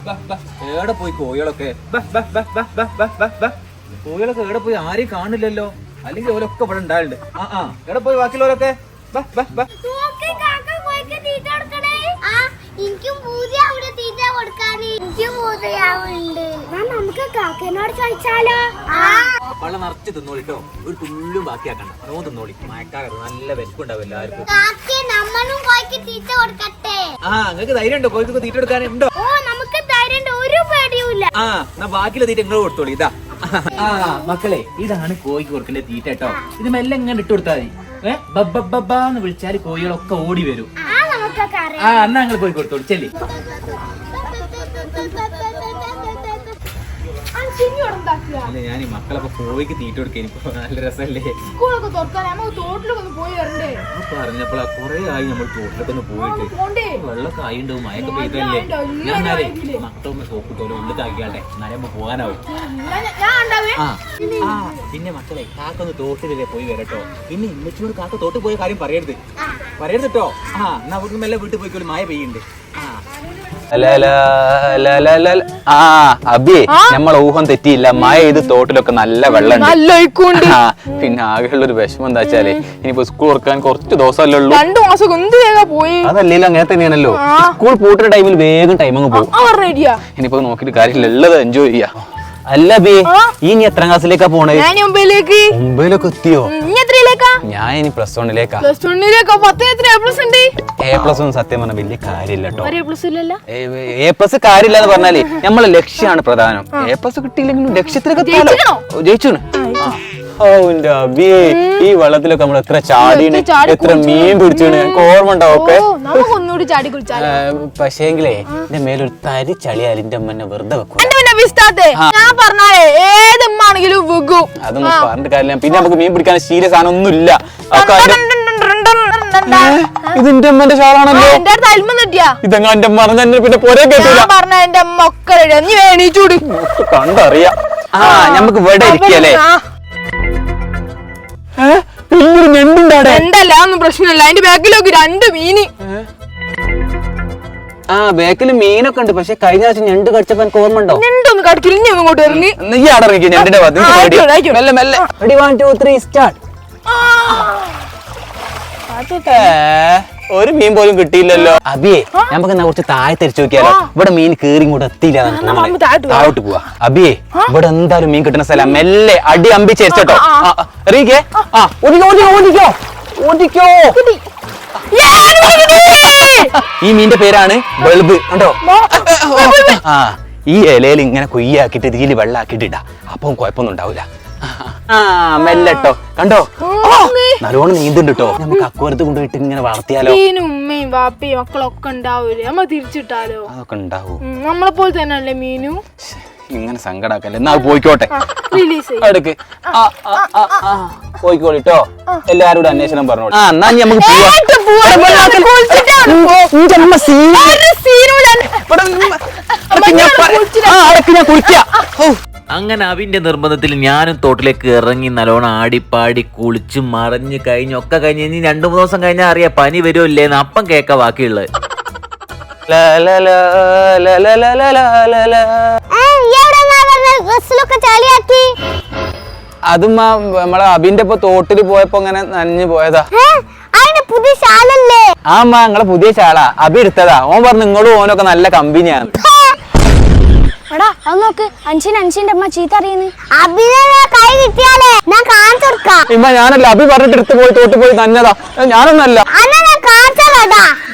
എവിടെ പോയി കോഴികളൊക്കെ? കോഴികളൊക്കെ എവിടെ പോയി? ആരെയും കാണില്ലല്ലോ. അല്ലെങ്കിൽ ഓരൊക്കെ ഇവിടെ ഉണ്ടായിട്ടുണ്ട്. എവിടെ പോയി ബാക്കിയുള്ളവരൊക്കെ? നമുക്ക് കാക്കനോട് ചോദിച്ചാലോ? വള്ളം നിറച്ച് തിന്നോളിട്ടോ, ഒരു തുള്ളും ബാക്കിയാക്കണ്ട. നോ തിന്നോളി, മഴക്കാലത്ത് നല്ല വിശപ്പുണ്ടാവും എല്ലാവർക്കും. നിങ്ങൾക്ക് ധൈര്യം ഉണ്ടോ കോഴിക്കൊക്കെ തീറ്റ എടുക്കാനുണ്ടോ? എന്നാ ബാക്കിയുള്ള തീറ്റ നിങ്ങൾ കൊടുത്തോളി. ഇതാ മക്കളെ, ഇതാണ് കോഴിക്ക് കൊടുക്കേണ്ട തീറ്റ കേട്ടോ. ഇത് മെല്ലെ ഇങ്ങനെ ഇട്ട് കൊടുത്താൽ മതി. ബബ്ബബ്ബാന്ന് വിളിച്ചാല് കോഴികളൊക്കെ ഓടി വരും. എന്നാ നിങ്ങൾ പോയി കൊടുത്തോളൂ. ചെല്ലി അല്ല, ഞാൻ ഈ മക്കളൊക്കെ കോഴിക്ക് തീറ്റ കൊടുക്കാൻ നല്ല രസമല്ലേ? പറഞ്ഞപ്പോഴാ കൊറേ ആയി നമ്മൾ തോട്ടിലൊക്കെ ഒന്ന് പോയിട്ട്. വെള്ളമൊക്കെ ആയിണ്ടാവും, മഴയൊക്കെ പെയ്തല്ലേ. ഞാൻ എന്നാലേ മക്കളൊന്ന് സോപ്പിട്ടോലെ ഉള്ളിലാക്കിയാട്ടെ, എന്നാലും പോകാനാവും. പിന്നെ മക്കളെ, കാക്കൊന്ന് തോട്ടിലല്ലേ പോയി വരട്ടോ. പിന്നെ ഇമ്മച്ചിയോട് കാക്ക തോട്ടിൽ പോയ കാര്യം പറയരുത് കേട്ടോ. എന്നാ അവിടുന്ന് മെല്ലെ വീട്ടിൽ പോയിക്കോളൂ, മഴ പെയ്യുന്നുണ്ട്. അബിയെ, നമ്മളെ ഊഹം തെറ്റിയില്ല. മഴ ഇത് തോട്ടിലൊക്കെ നല്ല വെള്ളം. പിന്നെ ആകെയുള്ള ഒരു വിഷമം എന്താ വെച്ചാല്, ഇനിയിപ്പോ സ്കൂൾ തുറക്കാൻ കുറച്ച് ദിവസമല്ലേ ഉള്ളൂ. 2 മാസം പോയി. അതല്ലേ അങ്ങനെ തന്നെയാണല്ലോ. സ്കൂൾ പൂട്ടുന്ന ടൈമിൽ വേഗം ടൈം അങ്ങ് പോകും. ഇനിയിപ്പോ നോക്കിട്ട് കാര്യമില്ല, ഉള്ളത് എൻജോയ് ചെയ്യാ. അല്ല ബി, ഇനി എത്രാം ക്ലാസ്സിലേക്കാ പോണേ? മുംബൈയിലൊക്കെ എത്തിയോ? ഞാൻ ഇനി +1 ലേക്കാ. A+ ഒന്നും സത്യം പറഞ്ഞ വലിയ കാര്യമില്ല കേട്ടോ. A+ കാര്യമില്ല എന്ന് പറഞ്ഞാല് നമ്മളെ ലക്ഷ്യമാണ് പ്രധാനം. A+ കിട്ടിയില്ലെങ്കിലും ലക്ഷ്യത്തിലൊക്കെ ജയിച്ചു. ഈ വെള്ളത്തിലൊക്കെ നമ്മൾ എത്ര ചാടിയാണ്, എത്ര മീൻ പിടിച്ചാണ്, ഓർമ്മ ഉണ്ടാവൊക്കെ. പക്ഷേങ്കിലേ എന്റെ മേലൊരു തരി ചളിയാൽ എന്റെ അമ്മ വെറുതെ വെക്കും. അതൊന്നും പറഞ്ഞിട്ട് കാര്യമില്ല. പിന്നെ നമുക്ക് മീൻ പിടിക്കാൻ സീരിയസ് ആണൊന്നുമില്ല. ഇതിന്റെ അമ്മന്റെ ഷാളാണല്ലോ. ഇതെങ്ങ എന്റെ പറഞ്ഞ പിന്നെ പോരെ കേട്ടില്ല. കണ്ടറിയാം. നമുക്ക് ഇവിടെ ഇരിക്കല്ലേ? വലിയൊരു ഞണ്ടുണ്ടാടെ. പ്രശ്നമില്ല, അതിന്റെ ബാക്കിലൊക്കെ 2 മീന്. ബാക്കില് മീനൊക്കെ ഉണ്ട്. പക്ഷെ കഴിഞ്ഞ ആഴ്ച ഞണ്ട് കടിച്ചപ്പോ എനിക്ക് ഓർമ്മ ഉണ്ടോ? ഞണ്ടൊന്നും കടിക്കില്ല, ഇങ്ങോട്ട് ഇറങ്ങി. നീ അവിടെ ഇറങ്ങി ഞണ്ടിന്റെ മെല്ലെ മെല്ലെ. 1 2 3 സ്റ്റാർട്ട്. ഒരു മീൻ പോലും കിട്ടിയില്ലല്ലോ. അബിയെ, നമുക്ക് എന്നാ കുറച്ച് താഴെ തിരിച്ചു നോക്കിയാലോ? ഇവിടെ മീൻ കേറി ഇങ്ങോട്ട് എത്തിയില്ല. താഴോട്ട് പോവാ. അബിയെ, ഇവിടെ എന്തായാലും മീൻ കിട്ടുന്ന സ്ഥലം. മെല്ലെ അടി അമ്പി ചേർച്ചോട്ടോ. എറിയിക്കേ. ഓടിക്കോ. ഈ മീന്റെ പേരാണ് ബൾബ്. കണ്ടോ? ഈ ഇലയിൽ ഇങ്ങനെ കൊയ്യാക്കിട്ട് ഇതിൽ വെള്ളാക്കിട്ട് ഇടാ. അപ്പം കുഴപ്പമൊന്നും ഉണ്ടാവില്ല. മെല്ലട്ടോ. കണ്ടോ? നല്ലോണം നീന്തുണ്ട് കേട്ടോ. നമുക്ക് അക്വരത്ത് കൊണ്ടുപോയിട്ട് ഇങ്ങനെ വളർത്തിയാലോ? ഉമ്മയും വാപ്പയും മക്കളൊക്കെ ഉണ്ടാവൂലേ? നമ്മ തിരിച്ചിട്ടാലോ? അതൊക്കെ ഉണ്ടാവൂ. നമ്മളെ പോലെ തന്നെ അല്ലേ മീനു? ഇങ്ങനെ സങ്കടാക്കല്ലേ. എന്നാ പോയിക്കോട്ടെ. റിലീസ് എടുക്ക്. പോയിക്കോളിട്ടോ. എല്ലാരോടും അന്വേഷണം പറഞ്ഞോളൂ. എന്നാ നമുക്ക് അങ്ങനെ അവിന്റെ നിർബന്ധത്തിൽ ഞാനും തോട്ടിലേക്ക് ഇറങ്ങി നല്ലോണം ആടിപ്പാടി കുളിച്ച് മറിഞ്ഞ് കഴിഞ്ഞൊക്കെ കഴിഞ്ഞ് ഇനി 2-3 ദിവസം കഴിഞ്ഞാൽ അറിയാം പനി വരുമോ ഇല്ലേന്ന്. അപ്പം കേക്ക ബാക്കിയുള്ളത്. അതും നമ്മളെ അബിന്റെ ഇപ്പൊ തോട്ടില് പോയപ്പോ അങ്ങനെ നനഞ്ഞു പോയതാ. ആമ്മ നിങ്ങളെ പുതിയ ഷാളാ അബി എടുത്തതാ. ഓൻ പറഞ്ഞു നിങ്ങളും ഓനൊക്കെ നല്ല കമ്പനിയാണ്. അഞ്ചിന്റെ അമ്മ ചീത്ത അറിയുന്നു. കൈ കിട്ടിയാലേ ഞാൻ കാണിച്ചു കൊടുക്കാം. ഇമ്മ ഞാനല്ല, അബി പറഞ്ഞിട്ട് എടുത്ത് പോയി തോട്ട് പോയി നനഞ്ഞതാ. ഞാനൊന്നല്ല.